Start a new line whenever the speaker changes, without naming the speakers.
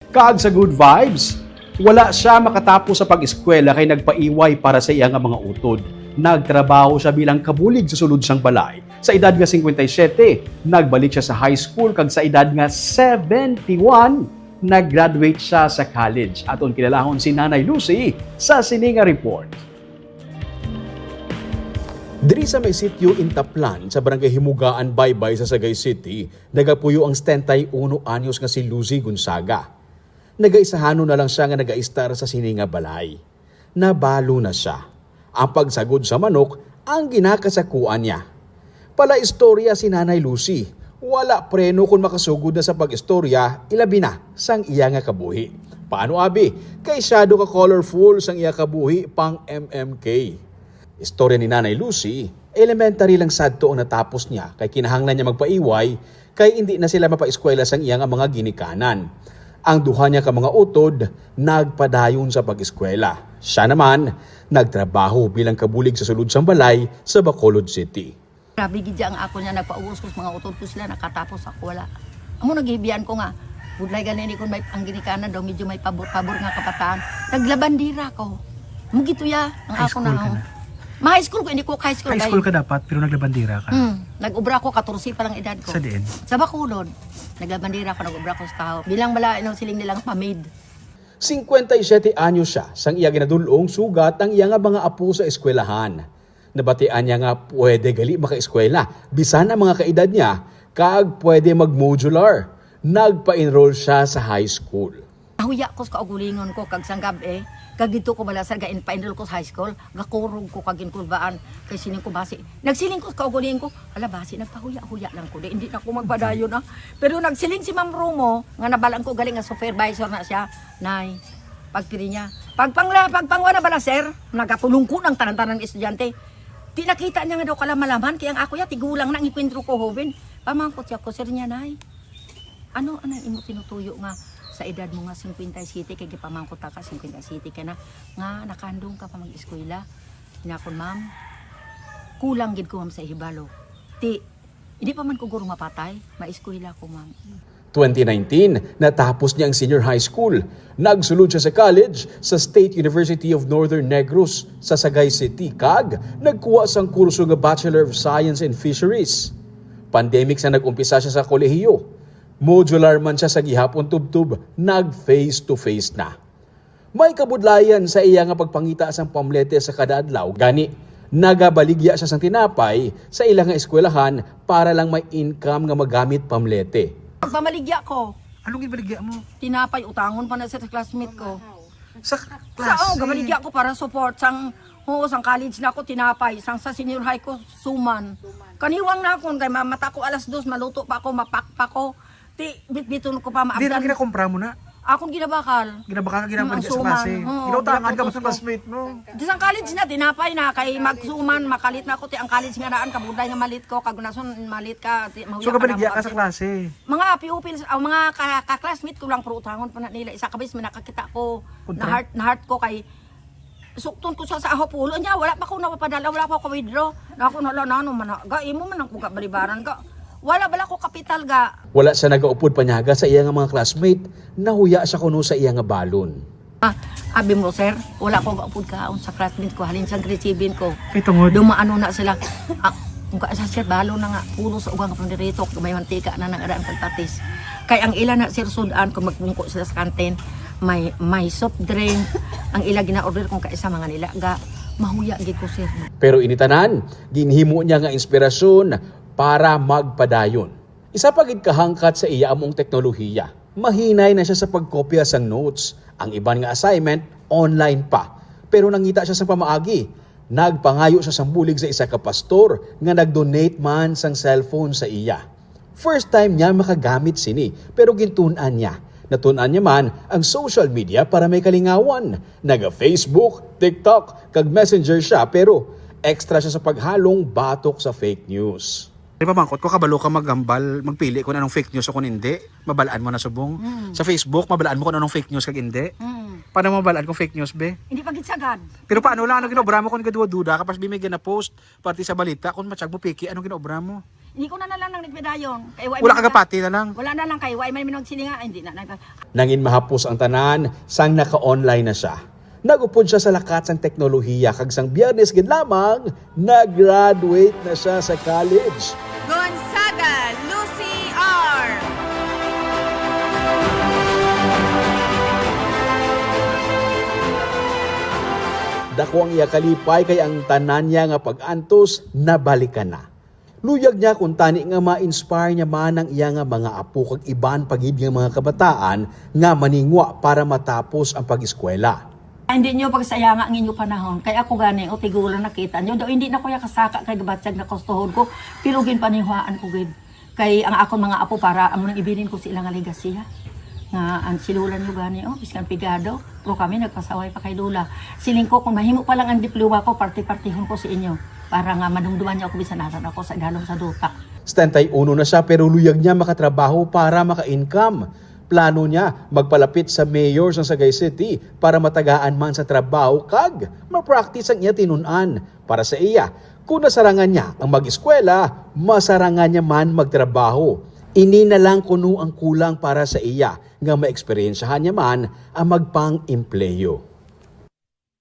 Kag sa good vibes, wala siya makatapos sa pag-eskwela kay nagpaiway para sa iyang mga utod. Nagtrabaho siya bilang kabulig sa sulod sang balay. Sa edad nga 57, nagbalik siya sa high school kag sa edad nga 71, nag-graduate siya sa college. Aton kilalahon si Nanay Lucy sa Sininga Report. Diri sa may sitio Intaplan sa barangay Himugaan, Baybay sa Sagay City, nagapuyo ang 71 anyos nga si Lucy Gonzaga. Nagaisahano na lang siya nga nagaistar sa Sininga Balay. Nabalo na siya. Ang pagsagod sa manok ang ginakasakuan niya. Pala istorya si Nanay Lucy. Wala preno kung makasugod na sa pag-istorya, ilabi na sang iya nga kabuhi. Paano abi? Kay shadow ka colorful sang iya kabuhi pang MMK. Istorya ni Nanay Lucy, elementary lang sadto ang natapos niya kay kinahanglan niya magpaiway kay hindi na sila mapaeskwela sang iya nga mga ginikanan. Ang duha niya ka mga utod, nagpadayon sa pag-eskwela. Siya naman, nagtrabaho bilang kabulig sa sulod sang balay sa Bacolod City.
Grabe gid ang ako niya nagpauwas ko sa mga utod ko sila nakatapos ako wala. Amo nagibiyan ko nga. Budlay ganini kun may ang ginikanan daw medyo may pabor nga kabataan. Naglabandira ko. Mugito ya ang
High
ako
school
na.
ka na?
Ma-high school ko hindi ko high school.
High school ka dapat, pero naglabandira ka.
Nag-ubra ko 14 pa lang edad ko.
Sa diin?
Sa Bacolod. Naglabandira ko, nag-ubra ko sa tao. Bilang bala inong siling nilang pamid.
57 anyos siya sang iya ginadulong sugat ang iya nga mga apo sa eskwelahan. Nabatian niya nga pwede gali maka-eskwela. Bisan ang mga kaedad niya, kag pwede mag-modular. Nagpa-enroll siya sa high school.
Nahuya ko sa kaugulingon ko kag sanggab kag dito ko bala sa gain pa-enroll ko sa high school, gakurog ko kag inkulbaan kay sining ko basi. Nagsiling ko sa kaugulingon ko, ala basi nagpahuya-huya lang ko, hindi na ako magpadayon Pero nagsiling si Ma'am Romo nga nabalaan ko galing nga supervisor na siya, nay. Pagpiri niya, pagpangwa na bala sir, nagapulong ko ng tanan-tanan ng estudyante. Di nakita niya nga daw kalamalaman kaya ang ako ya tigulang nang ikwentro ko hoben. Pamangkot siya ko sir niya nay. Ano imo tinutuyo nga sa edad mo nga 57 kay gipamangkot ka 57 ka na nga nakandong ka pa mag-eskwela. Hinakon ma'am, kulang gid ko ma'am sa hibalo. Hindi pa man ko guro mapatay, maeskwela ko ma'am.
2019, natapos niya ang senior high school. Nagsulod siya sa college sa State University of Northern Negros sa Sagay City. Kag nagkuha sang kurso nga Bachelor of Science in Fisheries. Pandemic sa nag-umpisa siya sa kolehiyo. Modular man siya sa gihapon tubtub, nag-face-to-face na. May kabudlayan sa iya nga pagpangita sang pamlete sa kada adlaw. Gani, nagabaligya siya sang tinapay sa ilang nga eskwelahan para lang may income nga magamit pamlete.
Pagpamaligya ko,
Anong ibaligya mo?
tinapay utangon pa na sa classmate ko.
Sa
Sa
klase?
gabaligya ko para support sang sang college na ako tinapay, sang sa senior high ko suman. Kaniwang na ako kay mata ko alas 2 maluto pa ako, mapakpa ko. Bitbiton ko pa
Di na
maabdan.
ginakompra mo na.
Akong ginabakal.
Ginabaka ka ginabaligya sa
Suman.
klase.
Oo,
Ginautangan ka mo
ginaputos
sa
ko.
classmate mo.
Di sang college na tinapay na kay magsuman makalit na ako ti ang college nga naan kabuday nga malit ko kag nason malit ka mahuya
So kabaligya ka
na
sa klase.
mga pupils ang mga ka-classmate ko lang pro utangon pa na nila isa kabis man nakakita ko
Kontra?
na heart ko kay sukton ko sa ahopulo niya wala pa ko napapadala wala pa ko withdraw na ako nala nano man ga imo man ang kuga balibaran ka wala bala ko kapital ga.
Wala siya nagaupod panyaga sa iya nga mga classmate, nahuya siya kuno sa iya nga balon.
Abi mo sir, wala ko gaupod kaon sa classmate ko halin sa grade 7 ko.
Kay tungod.
Dumaano na sila. Mukha sa sir, balo na nga, pulo sa ugang pandirito, may mantika na ng araan pagtatis. Kaya ang ila na sir sudan, kung magmungko sila sa kantin, may soft drink, ang ila gina-order kung kaisa mga nila, mahuya gid ko sir.
Pero initanan, ginhimo niya nga inspirasyon para magpadayon. Isa pa gid kahangkat sa iya among teknolohiya. Mahinay na siya sa pagkopya sang notes. Ang iban nga assignment, online pa. Pero nangita siya sa pamaagi. Nagpangayo siya sang bulig sa isa ka pastor nga nag-donate man sang cellphone sa iya. First time niya makagamit sini, pero gintun-an niya. Natun-an niya man ang social media para may kalingawan. Naga-Facebook, TikTok, kag Messenger siya, pero extra siya sa paghalong batok sa fake news.
Di ba mangkot ko, kabalo ka magambal, magpili kung anong fake news o kung hindi. Mabalaan mo na subong. Sa Facebook, mabalaan mo kung anong fake news kag hindi. Paano mo mabalaan kung fake news, be?
Hindi pa gid sagad.
Pero paano lang, ano ginobra mo kung gaduwa-duda ka, pas bimigyan na post, pati sa balita, kung matsyag mo piki, anong ginobra mo?
Hindi ko na lang nagpedayon. Kay
Wala ka kapati na lang.
Wala na lang kay way may minagsilinga, hindi na.
Nangin mahapos ang tanan, sang naka-online na siya. Nagupod siya sa lakat sang teknolohiya kag sang Biyernes gid lamang, nag-graduate na siya sa college.
Gonzaga Lucy R.
Dako ang iya kalipay kay ang tanan niya nga pag-antos nabalikan na. Luyag niya kung tani nga ma-inspire niya man ang iya nga mga apo kag iban pagid nga mga kabataan nga maningwa para matapos ang pag-eskwela.
Hindi nyo pagsayanga ang inyong panahon. Kaya ako gani, o tigulan nakita nyo. Daw hindi na ko ya kasaka kay gabatsag na kustuhod ko. Pilugin panihuaan ko gid. Kay ang akong mga apo para amo nang ibilin ko sila nga legasya. Nga ang silulan nyo gani, biskan pigado. Pero kami nagpasaway pa kay Lula. Siling ko, kung mahimo pa lang ang diploma ko, party-partihon ko sa inyo. Para nga madumduman niyo ako bisanaran ako sa dalong sa duta.
71 na siya pero luyag niya makatrabaho para maka-income. Plano niya magpalapit sa mayor sa Sagay City para matagaan man sa trabaho kag ma-practice ang iya tinunan. Para sa iya, kung nasarangan niya ang mag-eskwela, masarangan niya man magtrabaho. Ini na lang kuno ang kulang para sa iya nga maeksperiensyahan niya man ang magpang-empleyo.